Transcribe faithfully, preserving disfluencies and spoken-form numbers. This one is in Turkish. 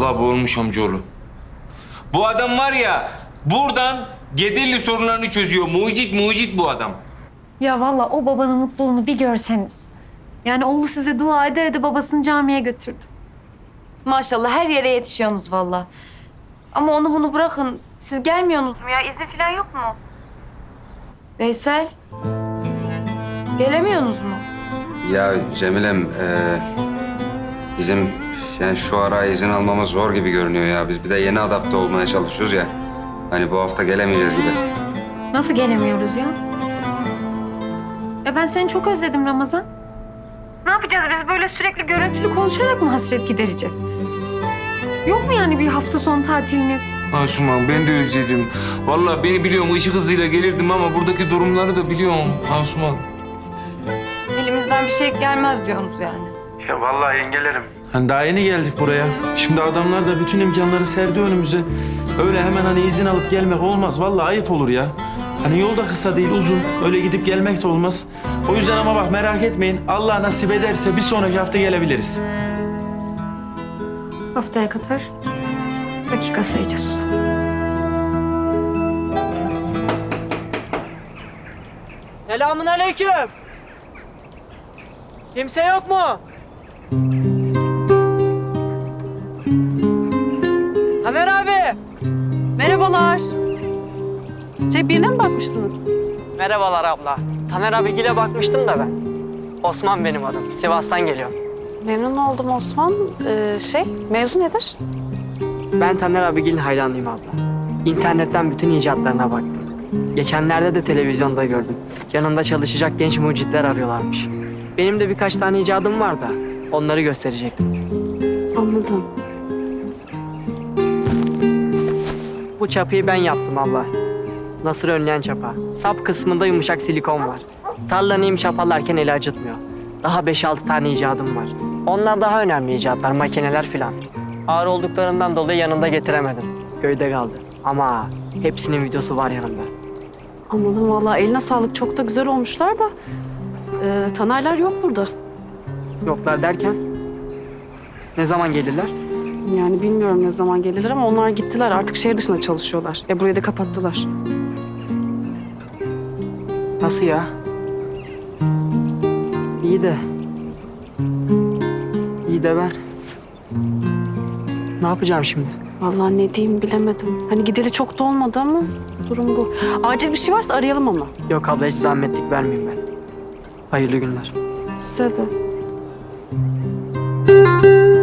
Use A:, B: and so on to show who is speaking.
A: Vallahi bu olmuş amcaoğlu. Bu adam var ya, buradan Gederli sorunlarını çözüyor. Mucit mucit bu adam.
B: Ya vallahi o babanın mutluluğunu bir görseniz. Yani oğlu size dua ede ede babasını camiye götürdü. Maşallah her yere yetişiyorsunuz vallahi. Ama onu bunu bırakın. Siz gelmiyorsunuz mu ya? İzin falan yok mu? Veysel. Gelemiyorsunuz mu?
C: Ya Cemilem, e, bizim yani şu ara izin almamız zor gibi görünüyor ya. Biz bir de yeni adapte olmaya çalışıyoruz ya. Hani bu hafta gelemeyeceğiz gibi.
B: Nasıl gelemiyoruz ya? Ya ben seni çok özledim Ramazan. Ne yapacağız biz böyle sürekli görüntülü konuşarak mı hasret gidereceğiz? Yok mu yani bir hafta sonu tatiliniz?
A: Asuman ben de özledim. Vallahi beni biliyorum ışık hızıyla gelirdim ama buradaki durumları da biliyorum Asuman.
B: Elimizden bir şey gelmez diyorsunuz yani.
D: Ya vallahi yengelerim.
E: Hani daha yeni geldik buraya. Şimdi adamlar da bütün imkanları serdi önümüze. Öyle hemen hani izin alıp gelmek olmaz. Vallahi ayıp olur ya. Hani yol da kısa değil, uzun. Öyle gidip gelmek de olmaz. O yüzden ama bak merak etmeyin. Allah nasip ederse bir sonraki hafta gelebiliriz.
B: Haftaya kadar dakika sayacağız o zaman.
F: Selamun aleyküm. Kimse yok mu? Taner abi.
G: Merhabalar. Şey birine mi bakmıştınız?
F: Merhabalar abla. Taner abigile bakmıştım da ben. Osman benim adım. Sivas'tan geliyorum.
G: Memnun oldum Osman. Ee, şey, mevzu nedir?
F: Ben Taner abigilin hayranıyım abla. İnternetten bütün icatlarına baktım. Geçenlerde de televizyonda gördüm. Yanında çalışacak genç mucitler arıyorlarmış. Benim de birkaç tane icadım var da onları gösterecektim.
G: Anladım.
F: Bu çapıyı ben yaptım abla. Nasır önleyen çapa. Sap kısmında yumuşak silikon var. Tarla neyim çapalarken eli acıtmıyor. Daha beş altı tane icadım var. Onlar daha önemli icatlar, makineler filan. Ağır olduklarından dolayı yanında getiremedim. Köyde kaldı. Ama hepsinin videosu var yanımda.
G: Anladım vallahi eline sağlık. Çok da güzel olmuşlar da. Ee, Tanerler yok burada.
F: Yoklar derken ne zaman gelirler?
G: Yani bilmiyorum ne zaman gelirler ama onlar gittiler. Artık şehir dışında çalışıyorlar. E burayı da kapattılar.
F: Nasıl ya? İyi de... İyi de ben... Ne yapacağım şimdi?
G: Vallahi ne diyeyim bilemedim. Hani gideli çok da olmadı ama durum bu. Acil bir şey varsa arayalım ama.
F: Yok abla hiç zahmetlik vermeyeyim ben. Hayırlı günler.
G: Size de.